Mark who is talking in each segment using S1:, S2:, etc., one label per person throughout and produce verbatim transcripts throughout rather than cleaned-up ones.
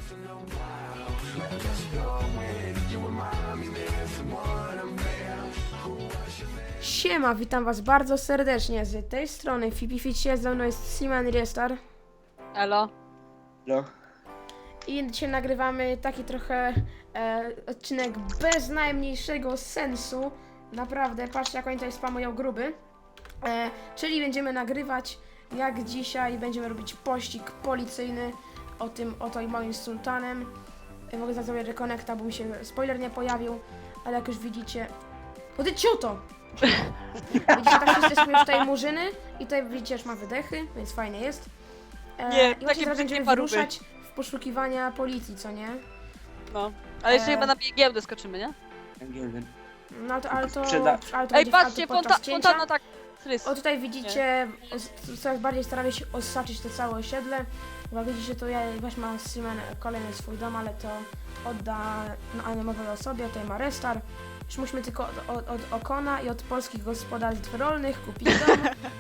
S1: Siema, witam was bardzo serdecznie z tej strony Fipificie, ze mną jest Simon Restar.
S2: Elo.
S3: No.
S1: I dzisiaj nagrywamy taki trochę e, odcinek bez najmniejszego sensu. Naprawdę, patrzcie jak oni tutaj spamują gruby. E, czyli będziemy nagrywać, jak dzisiaj będziemy robić pościg policyjny o tym oto i moim sultanem. E, mogę zrobić rekonekta, bo mi się spoiler nie pojawił, ale jak już widzicie... O ty ciuto! Widzicie, tak wszyscy są już tutaj murzyny i tutaj widzicie, że ma wydechy, więc fajnie jest. E,
S2: Nie,
S1: I właśnie
S2: takie
S1: teraz będziemy
S2: paruby.
S1: wyruszać w poszukiwania policji, co nie?
S2: No. Ale jeszcze
S1: E.
S2: chyba na giełdę skoczymy, nie?
S3: Angielem.
S1: No to, ale to...
S3: Sprzeda-
S1: Ale to
S2: Ej,
S1: będzie
S2: patrzcie,
S1: podczas
S2: fonta
S1: cięcia.
S2: fontana tak... Frys.
S1: O tutaj widzicie, os- coraz bardziej staramy się osaczyć to całe osiedle. Bo jak widzicie, to ja właśnie mam Simon kolejny swój dom, ale to odda na anonimowej osobie, tutaj ma Restar. Już musimy tylko od, od, od Okona i od polskich gospodarstw rolnych kupić dom.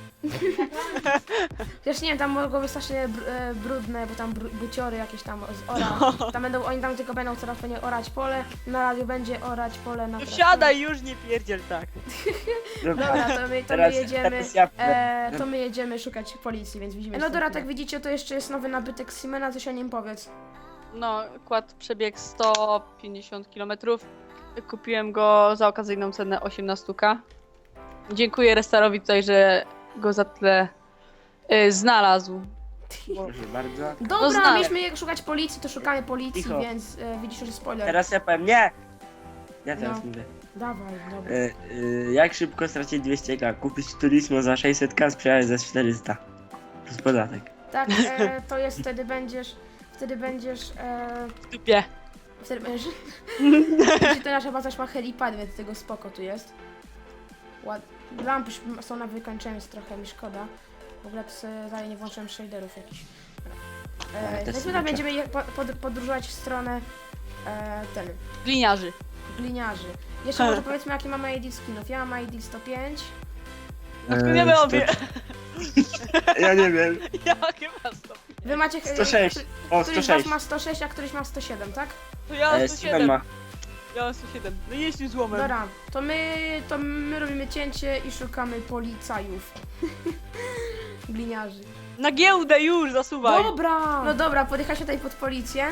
S1: Chociaż nie wiem, tam mogą być strasznie br- e, brudne, bo tam br- buciory jakieś tam z ora. Tam będą, oni tam tylko będą coraz pewnie orać pole. Na radiu będzie orać pole na traktorze.
S2: Wsiadaj już, nie pierdziel tak.
S1: Dobra, to my, to my
S3: Teraz-
S1: jedziemy,
S3: teraz ja-
S1: e, to my jedziemy szukać policji, więc widzimy. No dobra, tak widzicie, to jeszcze jest nowy nabytek Simena, coś o nim powiedz.
S2: No, kład przebieg sto pięćdziesiąt kilometrów. Kupiłem go za okazyjną cenę osiemnaście tysięcy. Dziękuję Restarowi tutaj, że go za tyle y, znalazł.
S3: Proszę bardzo.
S1: Dobra,
S2: znałem.
S1: mieliśmy szukać policji, to szukamy policji,
S3: Cicho.
S1: więc e, widzisz już spoiler.
S3: Teraz ja powiem nie! Ja teraz
S1: No.
S3: mówię.
S1: Dawaj, dobra.
S3: E, e, jak szybko stracić dwieście ka? Kupić Turismo za sześćset ka, sprzedać za czterysta. Plus podatek.
S1: Tak, e, to jest wtedy będziesz, wtedy będziesz, e,
S2: W dupie.
S1: wtedy będziesz, Widzicie, to nasza baza ma helipad, więc tego spoko tu jest. Ład... Lampy już są na wykończeniu, jest trochę mi szkoda. W ogóle to sobie dalej nie włączyłem shaderów jakichś.
S3: Ale
S1: E,
S3: też
S1: więc my
S3: sobie
S1: tam będziemy je, po, pod, podróżować w stronę e, ten,
S2: Gliniarzy.
S1: gliniarzy. Jeszcze może powiedzmy jakie mamy I D skinów. Ja mam I D sto pięć.
S2: No tylko nie wiem
S3: sto-
S2: obie.
S3: Ja nie wiem.
S2: Ja chyba sto.
S1: Wy macie...
S3: sto sześć. O,
S1: Któryś
S3: sto
S1: z was
S3: sześć.
S1: ma sto sześć, a któryś ma sto siedem, tak?
S2: To ja
S3: E,
S2: mam sto
S3: Simon
S2: siedem.
S3: ma.
S2: Ja mam sto siedem. No jeźdź złomem.
S1: Dobra, to my, to my robimy cięcie i szukamy policajów. Gliniarzy.
S2: Na giełdę już, zasuwaj.
S1: Dobra! No dobra, podjechać tutaj pod policję.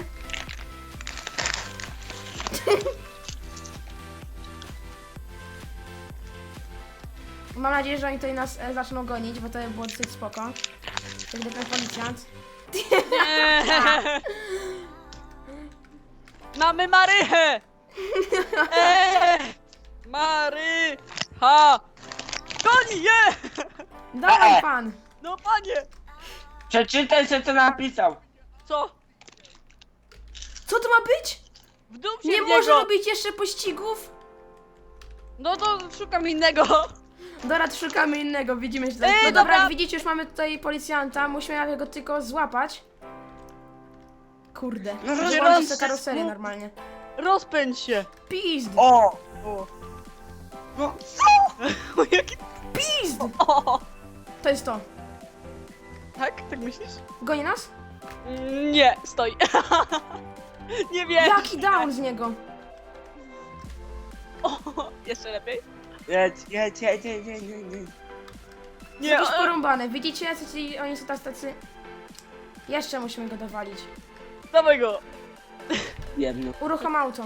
S1: Mam nadzieję, że oni tutaj nas e, zaczną gonić, bo to było dosyć spoko. Jakby ten policjant.
S2: Nie. Mamy Marychę! Eee! Marycha! Goni je!
S1: Dawaj pan!
S2: No panie!
S3: Przeczytaj się co napisał.
S2: Co?
S1: Co to ma być?
S2: W dół się
S1: Nie
S2: w
S1: może
S2: niego.
S1: robić jeszcze pościgów?
S2: No to szukam innego.
S1: Dobra, to szukamy innego, widzimy się.
S2: Ej,
S1: No dobra,
S2: dobra.
S1: widzicie, już mamy tutaj policjanta, musimy go tylko złapać. Kurde,
S3: No,
S1: no,
S3: roz-
S1: rozwalić
S2: roz-
S1: tę karoserię normalnie.
S2: Rozpędź się.
S1: Pizd!
S3: O!
S2: O,
S3: No,
S2: o jaki...
S1: Pizd!
S2: O.
S1: To jest to.
S2: Tak? Tak myślisz?
S1: Goni nas?
S2: Nie, stoi. Nie wiem.
S1: Jaki down z niego?
S2: O, jeszcze lepiej?
S3: jedź, jedź, jedź, jedź, jedź, jedź, jedź.
S2: Nie,
S1: Jakieś
S2: o,
S1: porąbane. Widzicie, co ci, oni są tacy, tacy... Jeszcze musimy go dowalić.
S2: dawaj go.
S3: Jedno.
S1: Uruchom auto.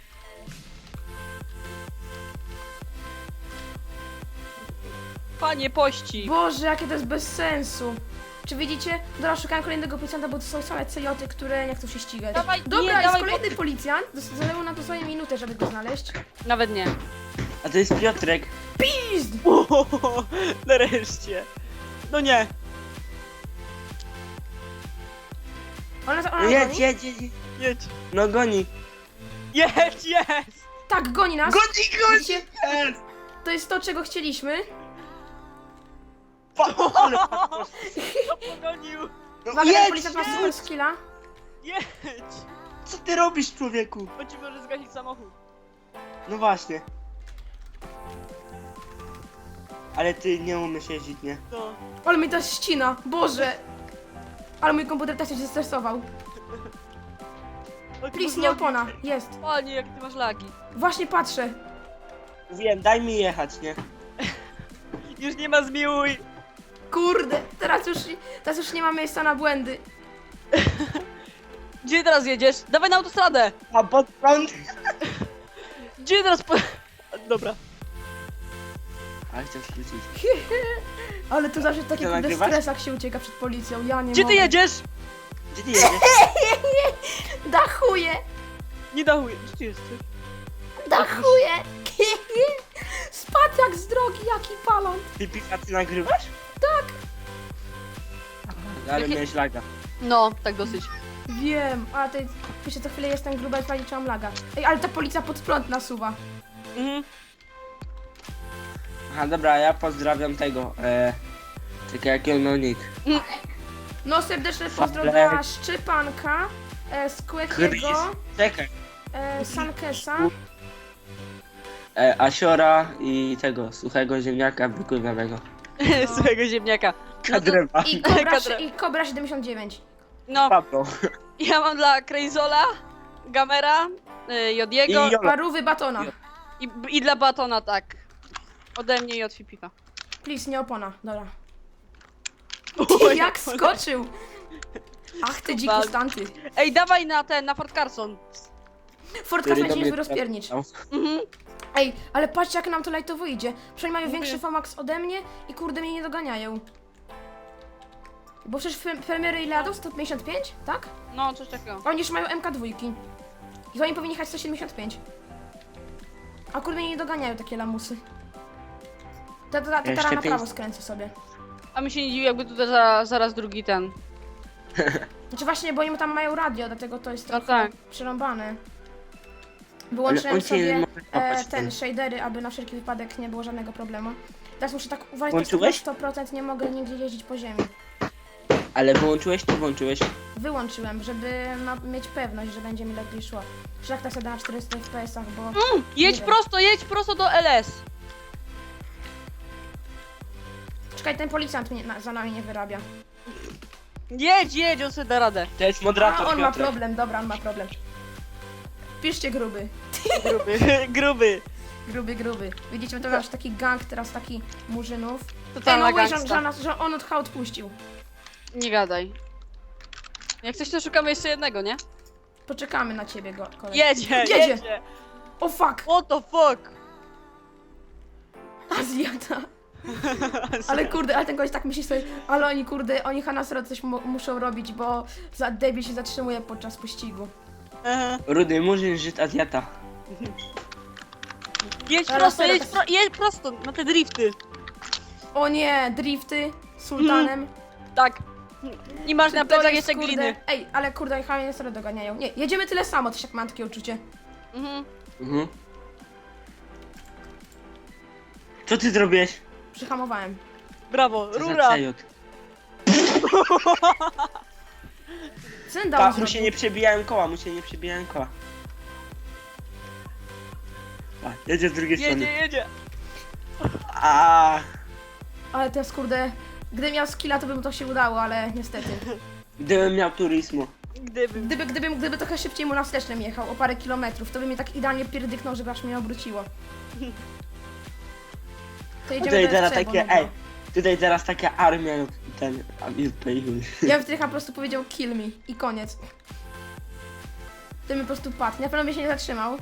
S2: Panie pości.
S1: Boże, jakie to jest bez sensu. Czy widzicie? Dobra, szukałem kolejnego policjanta, bo to są same cejoty, które nie chcą się ścigać.
S2: Dawaj, nie,
S1: Dobra, jest
S2: dawaj,
S1: kolejny policjant. Zas- Zajęło nam to sobie minutę, żeby go znaleźć.
S2: Nawet nie.
S3: A to jest Piotrek.
S1: Pizd!
S2: O, nareszcie. No nie.
S1: Ona, ona
S3: No jedź,
S1: goni?
S3: jedź, jedź. jedź.
S2: Jedź.
S3: No goni.
S2: Jedź, jest.
S1: Tak, goni nas.
S3: Goni, goni!
S1: Widzicie?
S3: Jest!
S1: To jest to, czego chcieliśmy.
S3: Pa- ale pan poszedł.
S2: To pogonił.
S3: No
S1: Uwaga, ten
S3: jedź,
S1: policjant ma
S3: jedź!
S1: super skilla.
S2: Jedź.
S3: Co ty robisz, człowieku?
S2: On ci może zgasić samochód.
S3: No właśnie. Ale ty nie umiesz jeździć, nie?
S2: No.
S1: Ale mi to ścina, Boże! Ale mój komputer tak się zestresował. Please, nie opona. Jest.
S2: Panie, jak ty masz lagi.
S1: Właśnie patrzę.
S3: Mówiłem, daj mi jechać, nie?
S2: Już nie ma zmiłuj.
S1: Kurde, teraz już, teraz już nie ma miejsca na błędy.
S2: Gdzie teraz jedziesz? Dawaj na autostradę.
S3: A pod prąd?
S2: Gdzie teraz po... Dobra.
S3: A chciał skrócić.
S1: Ale to zawsze taki
S3: To
S1: kurde
S3: nagrywasz?
S1: stres, jak się ucieka przed policją. Ja nie
S2: Gdzie ty
S1: mogę.
S2: jedziesz?
S3: Gdzie ty jedziesz?
S1: Dachuję!
S2: Nie dachuję. Gdzie ty jesteś?
S1: Dachuję! Spadł jak z drogi, jaki palon.
S3: Ty Pika, ty nagrywasz?
S1: Tak.
S3: Ale
S2: Jakie-
S3: miałeś laga.
S2: No, tak dosyć.
S1: Wiem, a ty... Wiecie, co chwilę jestem gruba i zaliczam laga. Ej, ale ta policja pod prąd nasuwa.
S2: Mhm.
S3: Aha, dobra, ja pozdrawiam tego. E, czekaj, jaki on miał nick.
S1: No, serdeczne
S3: Fabler.
S1: pozdro dla Szczepanka, e, Skłekiego,
S3: Chris. Czekaj.
S1: e, Sankesa.
S3: E, Asiora i tego, suchego ziemniaka wykurwionego.
S2: Swojego ziemniaka.
S3: Kadrewa.
S1: I Kobra,
S2: Kadra.
S1: i Kobra siedemdziesiąt dziewięć.
S2: No,
S3: Pablo.
S2: ja mam dla Crazola, Gamera, y, Jodiego
S3: I Jola.
S1: Parówy Batona.
S2: i, i dla Batona, tak. Ode mnie i od Fipika.
S1: Please, nie opona. Dobra.
S2: O,
S1: Jak skoczył! Ach, ty dziki
S2: Bal-
S1: stanty.
S2: Ej, dawaj na ten, na Fort Carson.
S1: Fort
S3: Który
S1: Carson
S3: do
S1: się
S3: mnie
S1: nie rozpiernicz.
S3: trafiał.
S2: Mhm.
S1: Ej, ale patrzcie jak nam to lajtowo idzie. Przynajmniej mają
S2: Mówię.
S1: większy Famax ode mnie i kurde mnie nie doganiają. Bo przecież fe- premiery ile jadą? sto pięćdziesiąt pięć? Tak?
S2: No, coś takiego.
S1: Oni już mają M K dwa. I oni powinni jechać sto siedemdziesiąt pięć. A kurde mnie nie doganiają takie lamusy. Ta, ta, ta, ta
S3: Jeszcze
S1: tara na
S3: pięć-
S1: prawo skręcę sobie.
S2: A mi się nie dziwi, jakby tutaj za, zaraz drugi ten.
S1: Znaczy właśnie, bo oni tam mają radio, dlatego to jest
S2: No
S1: trochę
S2: tak.
S1: przerąbane.
S3: Ale
S1: Wyłączyłem
S3: on cię
S1: sobie
S3: nie może
S1: e,
S3: łapać
S1: ten
S3: ten.
S1: shadery, aby na wszelki wypadek nie było żadnego problemu. Teraz muszę tak uważać, to
S3: Włączyłeś?
S1: sto procent nie mogę nigdzie jeździć po ziemi.
S3: Ale wyłączyłeś czy włączyłeś?
S1: Wyłączyłem, żeby ma, mieć pewność, że będzie mi lepiej szło. Że jak tak sobie na czterysta F P S-ach, bo...
S2: Jedź
S1: Nie.
S2: prosto, jedź prosto do L S.
S1: Czekaj, ten policjant mnie, na, za nami nie wyrabia.
S2: Jedź, jedź, on sobie da radę.
S3: To jest
S1: A,
S3: moderator
S1: on ma
S3: Piotrek.
S1: problem, dobra, on ma problem. Piszcie gruby.
S2: Gruby, gruby.
S1: Gruby, gruby. Widzicie, to nasz taki gang, teraz taki murzynów. Ej,
S2: Totalna
S1: no way, że,
S2: gangsta.
S1: że, nas, że on od H odpuścił.
S2: Nie gadaj. Jak coś, to szukamy jeszcze jednego, nie?
S1: Poczekamy na ciebie, go, kolego.
S2: Jedzie,
S1: Jedzie.
S2: jedzie.
S1: O fuck!
S2: What the fuck?
S1: Azjata. Ale kurde, ale ten gość tak myśli sobie, ale oni kurde, oni Hanasro coś mu muszą robić, bo za debil się zatrzymuje podczas pościgu.
S2: Aha.
S3: Rudy murzyn, Żyd, Azjata.
S2: Jedź
S1: Ale
S2: prosto,
S1: serio,
S2: jedź,
S1: tak-
S2: pro, jedź prosto, na te drifty.
S1: O nie, drifty, sultanem.
S2: Tak. I masz na
S1: To
S2: plecach
S1: jest,
S2: jeszcze
S1: kurde,
S2: gliny.
S1: Ej, ale kurde, Hanasro doganiają. Nie, jedziemy tyle samo, też jak mam takie uczucie.
S2: Mhm.
S3: Mhm. Co ty zrobiłeś?
S1: Przyhamowałem.
S2: Brawo,
S3: Co za
S2: rura.
S3: przejut?
S1: Co ten
S3: Pa,
S1: dał
S3: mu
S1: zrobił?
S3: się nie przebijają koła, mu się nie przebijają koła. Pa, jedzie z drugiej
S2: Jedzie,
S3: strony.
S2: jedzie.
S3: A,
S1: Ale teraz kurde, gdybym miał skilla, to by mu to się udało, ale niestety.
S3: gdybym miał turismo.
S2: Gdyby.
S1: Gdyby, gdyby, gdyby trochę szybciej mu na wstecznym jechał, o parę kilometrów, to by mnie tak idealnie pierdyknął, żeby aż mnie obróciło. To jedziemy
S3: Tutaj
S1: do
S3: teraz
S1: F C, bo
S3: takie,
S1: nudno.
S3: ej, tutaj teraz taka armia, ten, a J P U.
S1: Ja wtedy po prostu powiedział kill me i koniec. To mi po prostu padł. Na pewno by się nie zatrzymał.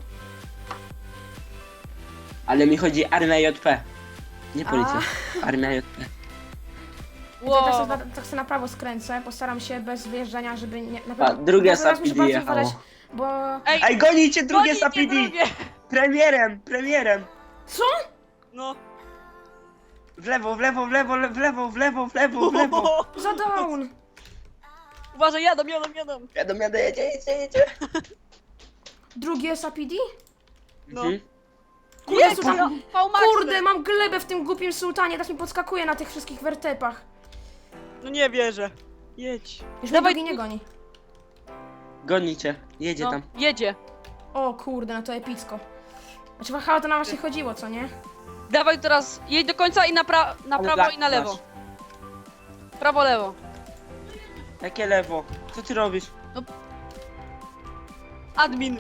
S3: Ale mi chodzi armia J P. Nie policja, armia J P.
S1: Wow. Tak,
S2: Wow.
S1: tak, tak sobie na prawo skręcę, postaram się bez wyjeżdżania, żeby nie... Na
S3: Pa, drugie
S1: na pewno muszę
S3: Sapidi
S1: bardzo
S3: jechało.
S1: uważać, bo...
S2: Ej,
S3: Ej, gonicie drugie
S2: gonicie
S3: Sapidi!
S2: drugie.
S3: Premierem, premierem!
S1: Co?
S2: No.
S3: W lewo, w lewo, w lewo, w lewo, w lewo, w lewo, w lewo.
S1: Za down!
S2: Uważaj, jadą, jadą, jadą.
S3: Jadą, jadą, jedzie, jedzie, jedzie.
S1: Drugie S A P D?
S2: No.
S3: Mhm.
S1: Kurde,
S2: Jezu,
S1: sultan...
S2: ja- V-Max.
S1: Kurde, mam glebę w tym głupim sultanie, teraz mi podskakuje na tych wszystkich wertepach.
S2: No nie wierzę. Jedź.
S1: Już
S2: Dawaj-
S1: mnie drugi nie goni.
S3: Gonicie, jedzie
S2: No,
S3: tam.
S2: jedzie.
S1: O kurde, no to epicko. Znaczy wahało to na właśnie chodziło, co nie?
S2: Dawaj teraz, jedź do końca i na, pra na
S3: Ale
S2: prawo
S3: tak
S2: i na lewo.
S3: masz.
S2: Prawo, lewo.
S3: Jakie lewo? Co ty robisz?
S2: admin.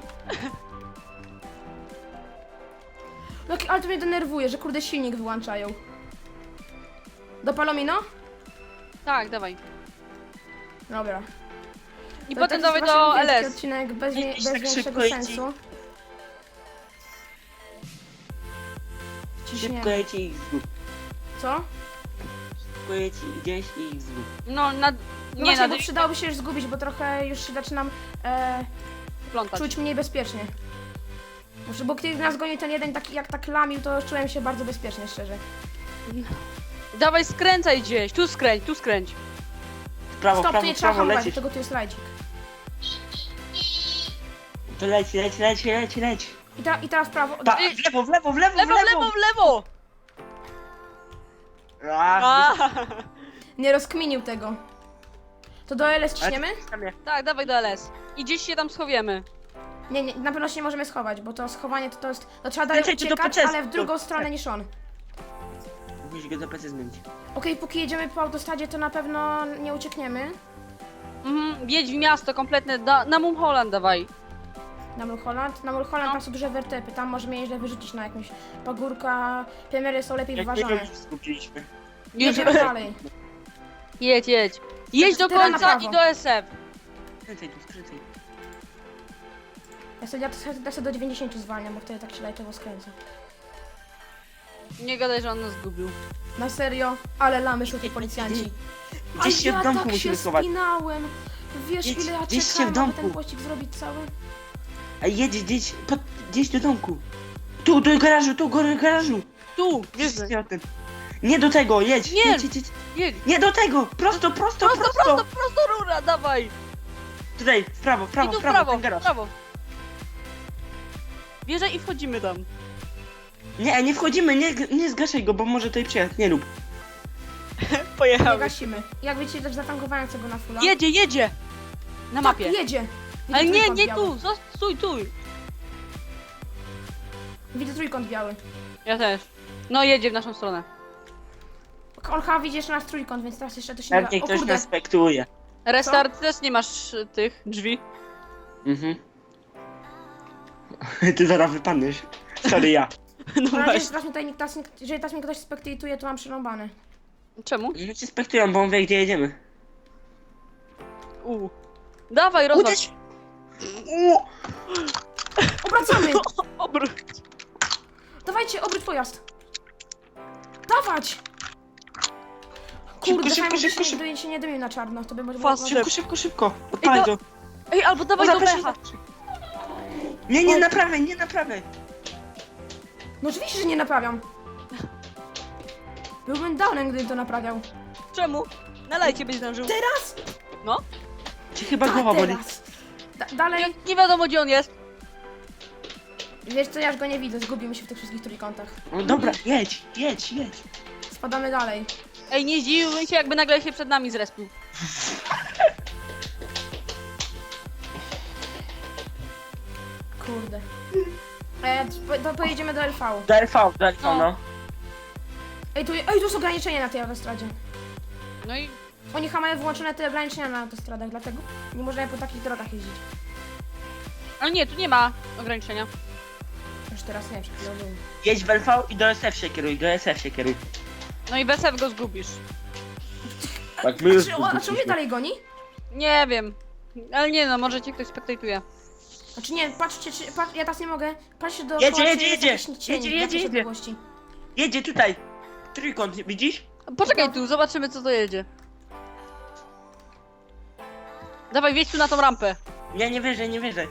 S1: No, ale to mnie denerwuje, że kurde silnik wyłączają. Do Palomino?
S2: Tak, dawaj.
S1: Dobra.
S2: I
S1: To
S2: potem
S1: taki
S2: dawaj
S1: strasznie
S2: do
S1: wielki
S2: L S.
S1: odcinek bez,
S3: Nie
S1: nie,
S3: idź
S1: bez
S3: tak
S1: większego
S3: szybko, idź.
S1: sensu.
S3: Szybko
S1: Ciśniemy.
S3: jedź i ich zgub.
S1: Co?
S3: Szybko jedź gdzieś i ich zgub.
S2: No, na...
S1: No
S2: Nie,
S1: właśnie,
S2: na
S1: bo przydałoby się już zgubić, bo trochę już się zaczynam e,
S2: plątać.
S1: czuć mniej bezpiecznie. Muszę, bo kiedy nas goni ten jeden taki jak tak lamił, to czułem się bardzo bezpiecznie, szczerze.
S2: Dawaj, skręcaj gdzieś. Tu skręć, tu skręć.
S3: W prawo, w
S1: Stop, tu
S3: prawo,
S1: nie
S3: w
S1: trzeba
S3: prawo,
S1: hamować,
S3: lecisz.
S1: tego tu jest rajdzik.
S3: To leci, leci, leci, leci, leci.
S1: I, ta, I teraz w prawo.
S3: Pa, w lewo, w lewo, w lewo,
S2: W lewo, w lewo, w lewo!
S3: A,
S2: A,
S1: Nie rozkminił tego. To do L S ciśniemy?
S2: tak, dawaj do L S. I gdzieś się tam schowiemy.
S1: Nie, nie, na pewno się nie możemy schować, bo to schowanie to, to jest. To trzeba dalej
S3: Lecę, to do
S1: uciekać,
S3: P C,
S1: ale w drugą
S3: do-
S1: stronę niż on.
S3: Musisz go do P C zmienić.
S1: Okej, póki jedziemy po autostradzie, to na pewno nie uciekniemy.
S2: Mhm, jedź w miasto kompletne, da, na Mulholland dawaj.
S1: Na Mulholland. Na Mulholland
S2: No.
S1: tam są duże wertepy, tam możemy je źle wyrzucić na jakąś pagórkę, a pionery są lepiej
S3: Jak my
S1: wyważone.
S3: już skupiliśmy.
S1: Jedziemy dalej.
S2: Jedź, jedź. Jedź do
S1: Teraz na
S2: końca
S1: prawo.
S2: i do S F.
S3: Skręcaj tu, skręcaj.
S1: Ja sobie, ja sobie, ja sobie do dziewięćdziesięciu zwalniam, bo wtedy tak się lajtowo skręca.
S2: Nie gadaj, że on nas zgubił.
S1: Na serio? Ale lamy szły policjanci. A
S3: Gdzieś się
S1: ja
S3: w domku
S1: tak się
S3: musimy schować.
S1: spinałem. Wiesz
S3: Jedź,
S1: ile ja
S3: gdzieś się
S1: czekałem,
S3: w
S1: aby
S3: domku.
S1: ten pościg zrobić cały?
S3: A jedź gdzieś, pod, gdzieś do domku. Tu, do garażu, tu, do garażu.
S2: Tu,
S3: Wiesz,
S2: wiesz,
S3: nie o tym. Nie do tego, jedź,
S2: Nie.
S3: jedź, jedź, jedź.
S2: jedź.
S3: Nie do tego, prosto, prosto,
S2: Prosto,
S3: prosto.
S2: prosto, prosto rura, dawaj.
S3: Tutaj, w prawo, w
S2: I
S3: prawo,
S2: tu
S3: w
S2: w
S3: prawo,
S2: prawo,
S3: ten
S2: w
S3: garaż.
S2: prawo. Wjeżdżaj i wchodzimy tam.
S3: Nie, nie wchodzimy, nie, nie zgaszaj go, bo może tutaj przyjechać, nie lub.
S1: Nie
S2: Pojechały.
S1: gasimy. Jak wiecie, też zatankowałem co go na fulla.
S2: Jedzie, jedzie. Na
S1: Tak,
S2: mapie.
S1: jedzie. Widzę
S2: Ale nie,
S1: trójkąt
S2: nie
S1: biały.
S2: tu, zos- stój tu.
S1: Widzę trójkąt biały.
S2: Ja też. No jedzie w naszą stronę.
S1: On chyba widzi jeszcze nas trójkąt, więc teraz jeszcze to się nie da.
S3: Pewnie
S1: O
S3: ktoś
S1: kurde,
S3: nas spektuje.
S2: Restart też nie masz y, tych drzwi.
S3: Mhm. Ty zaraz wypadniesz. Sorry, ja.
S2: No
S1: mam nadzieję, że
S2: właśnie.
S1: teraz mnie tutaj nikt, teraz, nikt- jeżeli teraz mnie ktoś spektuje, to mam przerąbane.
S2: Czemu?
S3: No cię spektują, bo on wie, gdzie jedziemy.
S2: U. Dawaj, rozwal.
S3: Uderz! U!
S1: Obracamy!
S2: Obróć.
S1: Dawajcie, obróć pojazd! Dawać! Kurde,
S3: Szybko, szybko,
S1: fajnie, że
S3: szybko,
S1: się,
S3: szybko.
S1: nie- się nie dymił na czarno, to by może
S2: Fast,
S1: było...
S3: Szybko, szybko, szybko. Odpalaj
S2: to-
S3: to.
S2: Ej, albo dawaj
S3: O,
S2: do
S3: zapraszam,
S2: Becha.
S3: zapraszam. Nie, nie na prawej, nie na prawej.
S1: No oczywiście, że nie naprawiam. Byłbym downem, gdybym to naprawiał.
S2: Czemu? Na lajcie byś zdążył.
S1: Teraz?
S2: No.
S3: Ci chyba
S1: Tak,
S3: głowa boli.
S1: teraz. Da dalej.
S2: Nie, nie wiadomo gdzie on jest.
S1: Wiesz co, ja już go nie widzę, zgubił się w tych wszystkich trójkątach.
S3: No dobra, jedź, jedź, jedź.
S1: Spadamy dalej.
S2: Ej, nie zdziwiłbym się jakby nagle się przed nami zrespił.
S1: Kurde. E, to, to pojedziemy do L V.
S3: Do L V, do L V,
S2: No.
S3: no.
S1: Ej, tu, ej, tu jest ograniczenie na tej autostradzie.
S2: No i
S1: Oni chyba mają wyłączone te ograniczenia na autostradach, dlatego nie możemy po takich drogach jeździć.
S2: ale nie, tu nie ma ograniczenia.
S1: Już teraz nie, przed chwilą było.
S3: Jedź w L V i do S F się kieruj, do S F się kieruj.
S2: No i bez F go zgubisz.
S3: Tak, my już
S1: Czy, o, a czemu mnie dalej goni?
S2: Nie wiem. Ale nie no, może cię ktoś spektatuje.
S1: Znaczy nie, patrzcie, czy, patrz, ja teraz nie mogę. Patrzcie do
S3: Jedzie, jedzie, jedzie. Jedzie, jedzie, jedzie.
S1: jedzie.
S3: Jedzie tutaj. Trójkąt, widzisz?
S2: Poczekaj tu, zobaczymy co to jedzie. Dawaj, wjedź tu na tą rampę.
S3: Nie, nie wierzę, nie wierzę.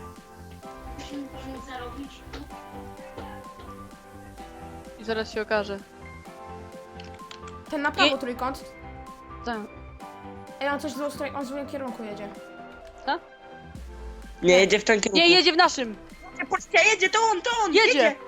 S2: I zaraz się okaże.
S1: Ten na prawo
S2: I-
S1: trójkąt.
S2: Tak.
S1: Ej, on coś w złą stronę, on w złym kierunku jedzie.
S3: Nie, jedzie w ten kierunku.
S2: Nie, jedzie w naszym.
S3: Nie, policja jedzie, to on, to on,
S2: Jedzie.
S3: jedzie.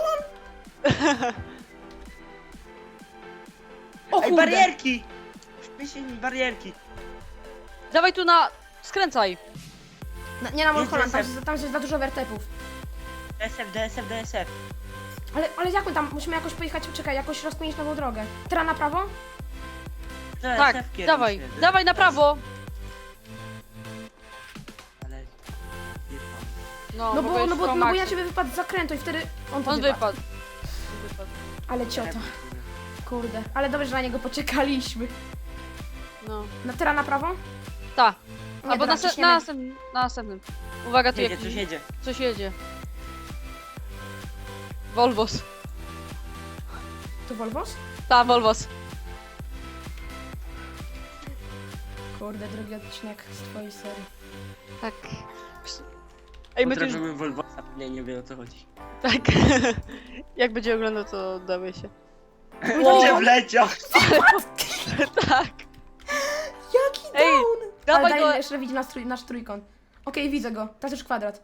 S1: O
S3: Ej,
S1: kurde!
S3: barierki. Myślę, barierki.
S2: Dawaj tu na... Skręcaj.
S1: Na, nie na Mulholland, tam,
S3: Jedzie
S1: jest- tam jest za dużo wertepów.
S3: D S F, D S F, D S F.
S1: Ale, ale jak my tam, musimy jakoś pojechać, czekaj, jakoś rozkminić nową drogę. Teraz na prawo?
S3: D S F
S2: Tak,
S3: kieruj
S2: dawaj.
S3: się.
S2: Dawaj na prawo.
S3: Ale... nie
S2: No,
S1: No bo,
S2: mogłeś
S1: no bo,
S2: w
S1: no bo ja
S2: Promaxie.
S1: ciebie wypadł z zakrętu i wtedy on to
S2: On
S1: wypadł.
S2: wypadł. On wypadł.
S1: Ale ciota. Kurde. Ale dobrze, że na niego poczekaliśmy.
S2: No.
S1: No teraz na prawo?
S2: Ta.
S1: Nie,
S2: Albo
S1: dobra,
S2: na, se-
S1: ciśniemy.
S2: na następnym. Na następnym. Uwaga, tu
S3: Jedzie,
S2: jakiś...
S3: coś jedzie.
S2: Coś jedzie. Volvos.
S1: To Volvos?
S2: Ta, Volvos.
S1: Kurde, drugi odcinek z twojej serii.
S2: Tak. Ej, my tu już...
S3: Potrafimy Volvosa, pewnie nie wie o co chodzi.
S2: Tak. Jak będzie oglądał, to damy się.
S1: Wow.
S3: Gdzie wleciał?
S2: Tak.
S1: Jaki
S2: Ej,
S1: down!
S2: dawaj
S1: Ale daj
S2: go-
S1: jeszcze widzi nasz, trój, nasz trójkąt. Okej, widzę go. Teraz już kwadrat.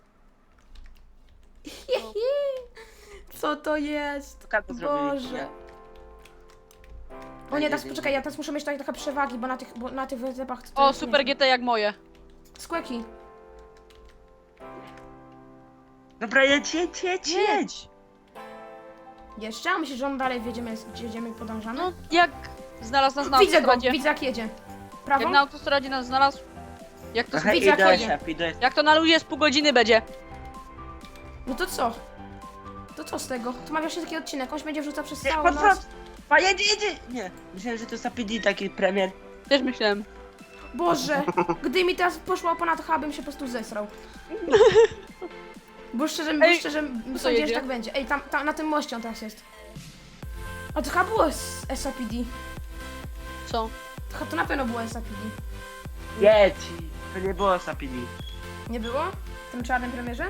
S1: Co to jest?
S3: to zrobili.
S1: Boże. O nie, teraz poczekaj, ja teraz muszę mieć tak, trochę przewagi, bo na tych, bo na tych wyzepach... to
S2: O,
S1: jest
S2: super
S1: nie-
S2: G T jak moje.
S1: Skłeki.
S3: Dobra, jedź, jedź, jedź, jedź.
S1: Jeszcze? A myślisz, że on dalej wjedziemy, jedziemy podążamy?
S2: No, jak znalazł nas na
S1: widzę go,
S2: autostradzie.
S1: widzę jak jedzie. Prawo?
S2: Jak na autostradzie nas znalazł. Jak to,
S3: Aha,
S1: widzę,
S3: i
S1: jak
S3: do
S1: jedzie.
S3: S A P, i do S A P.
S2: jak to na luzie z pół godziny będzie.
S1: No to co? To co z tego? To ma właśnie taki odcinek, on się będzie wrzucał przez
S3: Nie,
S1: całą
S3: pod
S1: noc.
S3: prąd. Pa, jedzie, jedzie. Nie, myślałem, że to jest A P D taki premier.
S2: Też myślałem.
S1: Boże, gdy mi teraz poszła opona, to chyba bym się po prostu zesrał. Bo szczerze, bo
S2: Ej,
S1: szczerze
S2: co
S1: sądziłem,
S2: jedzie?
S1: że tak będzie. Ej, tam, tam na tym moście on teraz jest. A to chyba było z S A P D.
S2: Co?
S1: To, chyba- to na pewno było S A P D.
S3: Jedź. To nie było S A P D.
S1: Nie było? W tym czarnym premierze?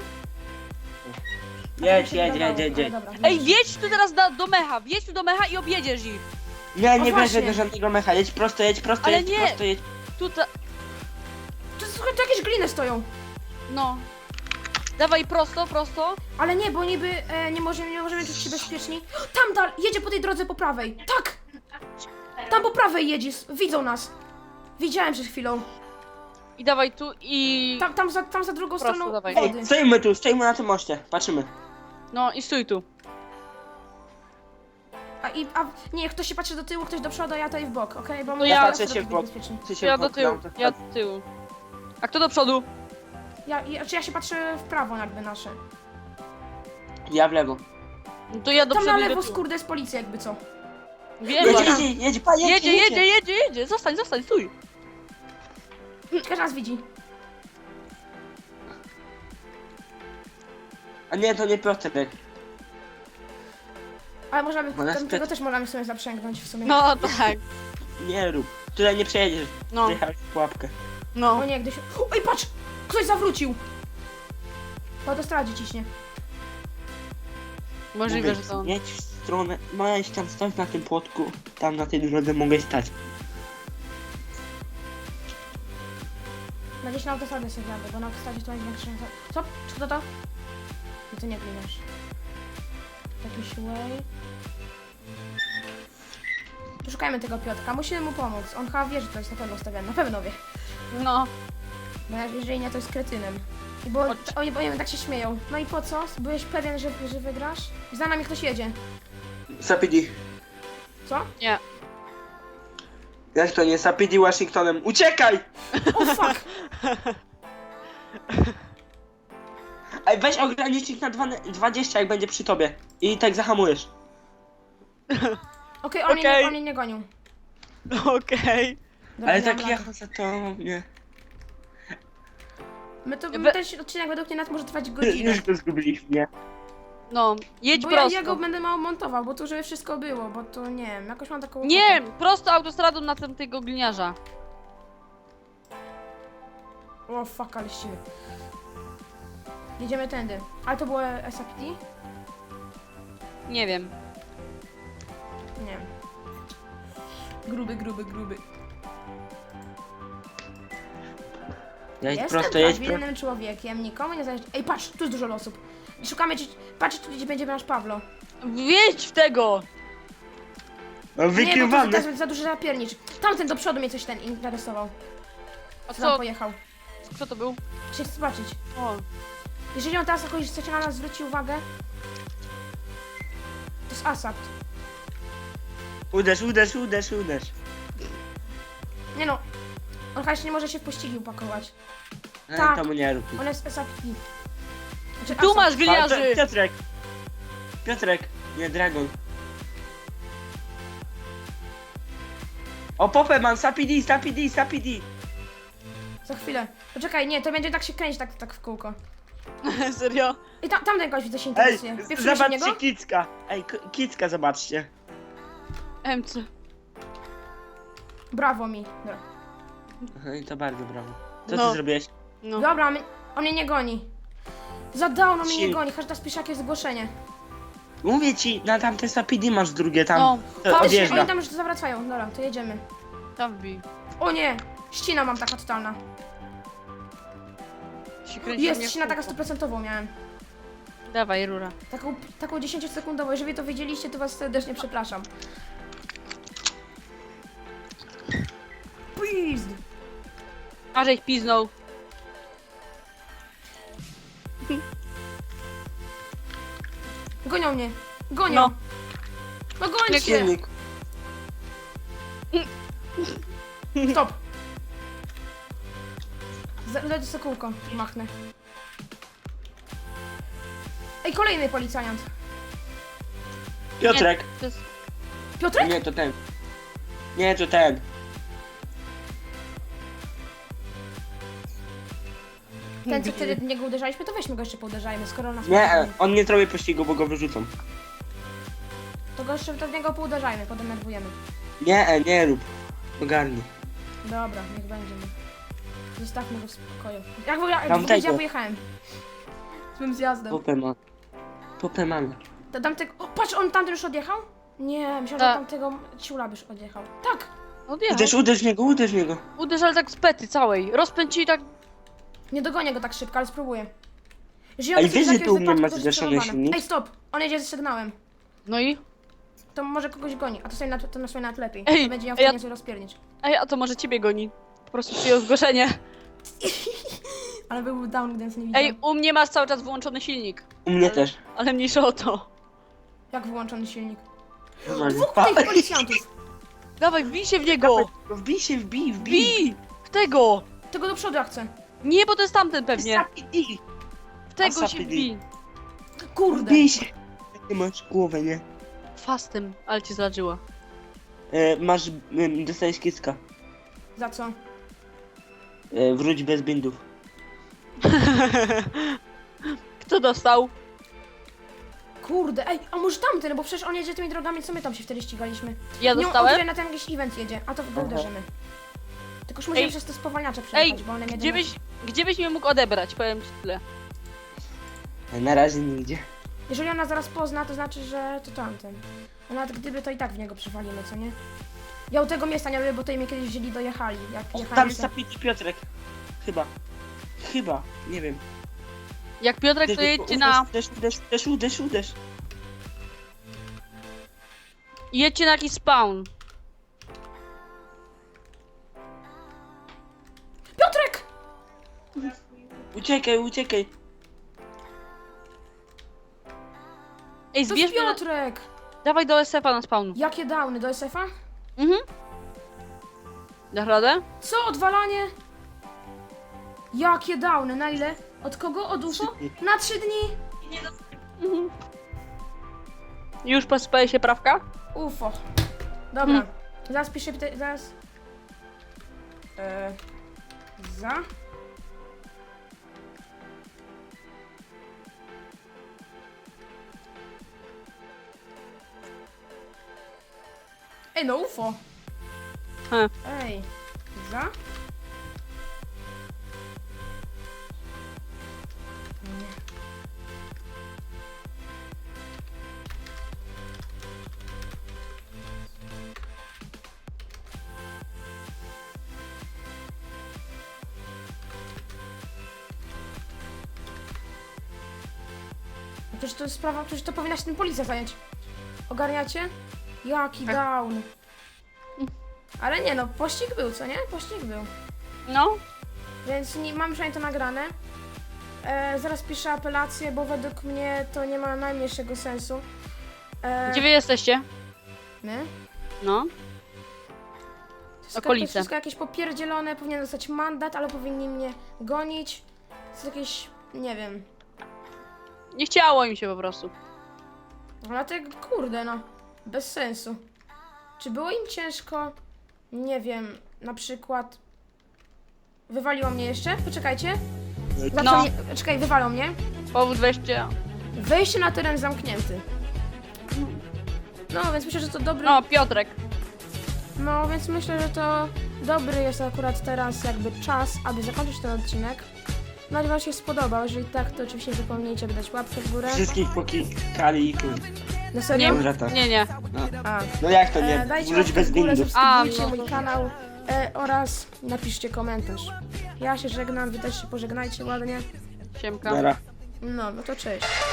S1: A
S3: Jedź,
S1: to mi się
S3: jedź,
S1: wydawało,
S3: jedź, jedź.
S1: ale dobra,
S2: Ej,
S1: jedź.
S2: wjedź tu teraz do, do mecha, wjedź tu do mecha i objedziesz ich.
S3: Nie, nie
S1: O, właśnie.
S3: wierzę do żadnego mecha. Jedź prosto, jedź prosto,
S2: Ale
S3: jedź
S2: nie.
S3: prosto, jedź.
S2: Tutaj,
S1: To, słuchaj, to jakieś gliny stoją.
S2: no. Dawaj prosto, prosto.
S1: Ale nie, bo niby e, nie, możemy, nie możemy czuć się bezpieczni. Tam dal, jedzie po tej drodze po prawej. Tak! Tam po prawej jedzie, s- widzą nas. Widziałem przed chwilą.
S2: I dawaj tu i...
S1: Tam, tam, za, tam za drugą
S2: Prosto
S1: stroną
S2: dawaj.
S1: wody.
S3: Ej, stoimy tu, stoimy na tym moście. Patrzymy.
S2: No i stój tu.
S1: A, i, a nie, ktoś się patrzy do tyłu, ktoś do przodu, a ja tutaj w bok, okej? Bo
S2: No
S1: my
S2: ja
S1: teraz
S3: patrzę się
S1: zrobimy
S3: w bok.
S1: bezpiecznie.
S3: Ty
S2: To ja do
S3: pod-
S2: tyłu,
S3: tam, to
S2: ja
S3: wpadł.
S2: do tyłu. A kto do przodu?
S1: Ja, ja, czy ja się patrzę w prawo jakby nasze.
S3: Ja w lewo.
S2: No to ja do
S1: Tam na
S2: przodu i
S1: lewo
S2: do tyłu.
S1: skurde jest policja jakby co.
S2: Wiem,
S3: Jedzie,
S2: właśnie.
S3: jedzie, jedzie, pa, jedzie,
S2: Jedzie, jedzie, jedzie, jedzie. Zostań, zostań, stój.
S1: Każdy nas widzi.
S3: A nie, to nie Piotrek.
S1: Ale można by,
S3: Ona
S1: tam,
S3: spec-
S1: tego też możemy sobie zaprzęgnąć w sumie.
S2: No tak.
S3: Nie rób. Tutaj nie przejedziesz.
S2: No,
S3: Zjechałeś w pułapkę.
S2: no.
S1: O nie, gdyś... Oj, patrz! Ktoś zawrócił! Po autostradzie ciśnie.
S2: Możliwe,
S3: Mówię,
S2: że to on.
S3: jedź w stronę, masz tam stać na tym płotku. Tam na tej drodze mogę stać.
S1: No gdzieś na autostradę sobie jadę, bo na autostradzie to będzie większy... Co? Czy kto to? No to nie gliniarz. Jakiś way. Poszukajmy tego Piotrka, musimy mu pomóc. On chyba wie, że to jest na pewno ustawione, na pewno wie.
S2: No.
S1: Bo jeżeli nie, to jest kretynem. I bo
S2: Chodź.
S1: oni, bo oni tak się śmieją. No i po co? Byłeś pewien, że, że wygrasz? Za nami ktoś jedzie.
S3: Sapidi.
S1: Co?
S2: Nie.
S3: Jak to nie Sapidi Waszyngtonem? Uciekaj!
S1: O fuck!
S3: Ej, weź ogranicznik na dwa- dwadzieścia, jak będzie przy tobie. I tak zahamujesz.
S1: Okej, oni,
S2: Okej.
S1: nie, oni nie gonią.
S2: Okej.
S1: Dobra,
S3: Ale
S1: nie mam
S3: tak
S1: lagi.
S3: jechał za to, nie.
S1: My to,
S2: Wy-
S1: my ten odcinek według mnie nawet może trwać godzinę.
S3: Już go zgubiliśmy, nie?
S2: No, jedź
S1: Bo ja,
S2: prosto.
S1: ja go będę mało montował, bo tu żeby wszystko było, bo to nie wiem, jakoś mam taką...
S2: Nie, prosto autostradą na tamtego gliniarza.
S1: O fuck, ale ściny. Jedziemy tędy. Ale to było S A P D?
S2: Nie wiem.
S1: Nie wiem. Gruby, gruby, gruby.
S3: Jedź
S1: Jestem
S3: prosto, jedź prosto.
S1: prawilnym człowiekiem, nikomu nie zależy... Ej, patrz, tu jest dużo osób. Szukamy, czy... Patrz, tu gdzie będzie nasz Pawlo.
S2: Wjedź w tego!
S3: No
S1: Nie, bo to
S3: wykiwany.
S1: teraz za dużo zapiernicz. Tamten do przodu mnie coś ten interesował.
S2: A
S1: Co tam
S2: co?
S1: pojechał.
S2: Kto to był?
S1: Chcę zobaczyć.
S2: O.
S1: Jeżeli on teraz jakoś chce na nas zwrócić uwagę... To jest Asapt.
S3: Uderz, uderz, uderz, uderz.
S1: Nie no. On chyba jeszcze nie może się w pościgi upakować.
S3: No,
S1: Tak.
S3: to mu nie rób.
S1: On jest S A P D. Znaczy,
S2: Tu
S1: Asa.
S2: masz giliarzy!
S3: Pi- Piotrek! Piotrek! Nie, Dragon. O, popę mam, Sapidi, Sapidi, Sapidi!
S1: Za chwilę. Poczekaj, nie, to będzie tak się kręcić, tak, tak w kółko.
S2: Serio?
S1: I tam, tamten gość widzę się
S3: Ej,
S1: interesuje. Wpieprzymy się w
S3: zobaczcie
S1: niego?
S3: Kicka! Ej, K- Kicka zobaczcie.
S2: M C.
S1: Brawo mi. Dobra,
S3: Aha, i to bardzo brawo. Co
S2: No.
S3: ty zrobiłeś?
S2: No.
S1: Dobra on, mnie- on mnie nie goni. Za dawno mnie nie
S3: Ci-
S1: goni, każdy teraz pisze jakieś zgłoszenie.
S3: Mówię ci, na tamte Sapidi masz drugie tam.
S2: No,
S3: To
S1: Patrzcie,
S3: odjeżdża.
S1: oni tam już zawracają. Dobra, to jedziemy.
S2: tam wbij.
S1: O nie! Ścina mam taka totalna.
S2: Się kręci
S1: Jest,
S2: mnie w
S1: ścina taka
S2: kółko.
S1: stuprocentową miałem.
S2: Dawaj, rura.
S1: Taką, taką dziesięciosekundową. Jeżeli to wiedzieliście, to was serdecznie przepraszam. Pizd!
S2: A żeś piznął.
S1: Gonią mnie! Gonią!
S2: No.
S1: No gońcie!
S3: Silnik.
S1: Stop! Leci sobie kółko, machnę. Ej, kolejny policjant.
S3: Piotrek!
S2: To jest...
S1: Piotrek?
S3: Nie, to ten. Nie, to ten.
S1: Ten, co wtedy w niego uderzaliśmy, to weźmy go jeszcze pouderzajmy, skoro nas
S3: Nie, on nie zrobi pościgu, bo go wyrzucą.
S1: To go jeszcze to w niego pouderzajmy, podenerwujemy.
S3: Nie, nie rób. Ogarnij.
S1: Dobra, niech będzie. Zostawmy go w spokoju. Jak w ogóle, jak w
S3: Tamtego.
S1: ogóle ja pojechałem? Swym zjazdem.
S3: Popę ma. Popę mamy.
S1: To tamtego... O, patrz, on tamten już odjechał? Nie, myślałem, że
S2: Tak.
S1: tamtego ciula już odjechał. Tak!
S2: Odjechał.
S3: Uderz, uderz w niego, uderz w niego.
S2: Uderz, ale tak z pety całej. Rozpędź i tak...
S1: Nie dogonię go tak szybko, ale spróbuję. Jeżeli
S3: Ej,
S1: on
S3: wiesz,
S1: coś
S3: że
S1: takiego
S3: tu u mnie
S1: wypadku,
S3: masz
S1: to jest
S3: zgaszony
S1: przerąbane.
S3: silnik?
S1: Ej, stop! On jedzie ze sygnałem.
S2: No i?
S1: To może kogoś goni, a to sobie na, to na sobie nawet lepiej.
S2: Ej,
S1: to będzie miał
S2: ej, ja-
S1: wtedy rozpiernić.
S2: Ej, a to może ciebie goni. Po prostu przyjął zgłoszenie.
S1: Ale był down, gdy nic nie widział.
S2: Ej, u mnie masz cały czas wyłączony silnik.
S3: U mnie też.
S2: Ale mniejsza o to.
S1: Jak wyłączony silnik?
S3: Normalnie.
S1: Dwóch
S3: Pa-
S1: tych policjantów!
S2: Dawaj, wbij się w niego!
S3: Wbij się, wbij, wbij.
S2: Wbij! W tego!
S1: Tego do przodu ja chcę.
S2: Nie, bo to jest tamten pewnie.
S3: Sapidi.
S2: W tego
S3: A
S2: się
S3: Sapidi.
S2: wbij.
S1: Kurde!
S3: Wbij się. Ty masz głowę, nie?
S2: Fastem, ale cię zladżyła.
S3: E, masz, e, dostajesz kicka.
S1: Za co?
S3: E, wróć bez bindów.
S2: Kto dostał?
S1: Kurde, ej, a może tamten, bo przecież on jedzie tymi drogami, co my tam się wtedy ścigaliśmy.
S2: Ja
S1: Nie, on
S2: dostałem?
S1: tutaj na ten jakiś event jedzie, a to w go
S3: Aha.
S1: uderzymy. Tylko już musimy
S2: Ej.
S1: przez te spowalniacze
S2: Ej,
S1: przejechać, bo one mnie
S2: gdzie
S1: denerw-
S2: byś, gdzie byś mnie mógł odebrać? Powiem ci tyle.
S3: E, na razie nigdzie.
S1: Jeżeli ona zaraz pozna, to znaczy, że to tamten. A nawet gdyby, to i tak w niego przywalimy, co nie? Ja u tego miejsca nie lubię, bo tutaj mnie kiedyś wzięli, dojechali. Jak
S3: O, tam
S1: jechałem
S3: jest
S1: se-
S3: Sapidi Piotrek. Chyba. Chyba, nie wiem.
S2: Jak Piotrek, to
S3: Uderz,
S2: jedźcie na,
S3: Uderz, uderz, uderz, uderz, uderz.
S2: jedźcie na jakiś spawn.
S1: Piotrek!
S3: Uciekaj, uciekaj.
S2: Ej,
S1: To
S2: zbierz
S1: jest
S2: mnie, na,
S1: Piotrek!
S2: dawaj do S F a na spawn.
S1: Jakie downy, do S F a?
S2: Mhm. Dasz radę?
S1: Co, odwalanie? Jakie downy, na ile? Od kogo? Od U F O? Na trzy dni?
S2: Mhm. Już pospaje się prawka?
S1: U F O. Dobra,
S2: Hmm.
S1: zaraz piszę, pyta- zaraz... E, za... Ej, no U F O.
S2: He.
S1: Ej, za... Nie. No przecież to jest sprawa, przecież to powinna się tym policja zająć. Ogarniacie? Jaki
S2: Tak.
S1: down. Ale nie no, pościg był, co nie? Pościg był.
S2: No.
S1: Więc nie, mam przynajmniej to nagrane. E, zaraz piszę apelację, bo według mnie to nie ma najmniejszego sensu. E,
S2: Gdzie wy jesteście?
S1: my?
S2: No.
S1: Wszystko,
S2: Okolice.
S1: To wszystko jakieś popierdzielone, powinien dostać mandat, ale powinni mnie gonić. To jest jakieś, nie wiem.
S2: Nie chciało im się po prostu.
S1: Ale tak, kurde, no. Bez sensu. Czy było im ciężko? Nie wiem, na przykład... Wywaliło mnie jeszcze? Poczekajcie. Zaczął
S2: No.
S1: mnie... Czekaj, wywalą mnie.
S2: Powód wejścia.
S1: Wejście na teren zamknięty. No, więc myślę, że to dobry...
S2: No, Piotrek.
S1: No, więc myślę, że to dobry jest akurat teraz jakby czas, aby zakończyć ten odcinek. No, jeżeli wam się spodobał, jeżeli tak, to oczywiście nie zapomnijcie, by dać łapkę w górę.
S3: Wszystkich pokikali i kur...
S1: Na serio?
S2: Nie,
S3: Konrata.
S2: nie, nie.
S3: No.
S1: A.
S3: no jak to nie?
S1: E, dajcie
S3: Wróć
S1: łapkę
S3: bez
S1: w górę,
S3: bindów.
S1: subskrybujcie
S2: A, no.
S1: mój kanał e, oraz napiszcie komentarz. Ja się żegnam, wy też się pożegnajcie ładnie.
S2: Siemka.
S3: Nara.
S1: No, no to cześć.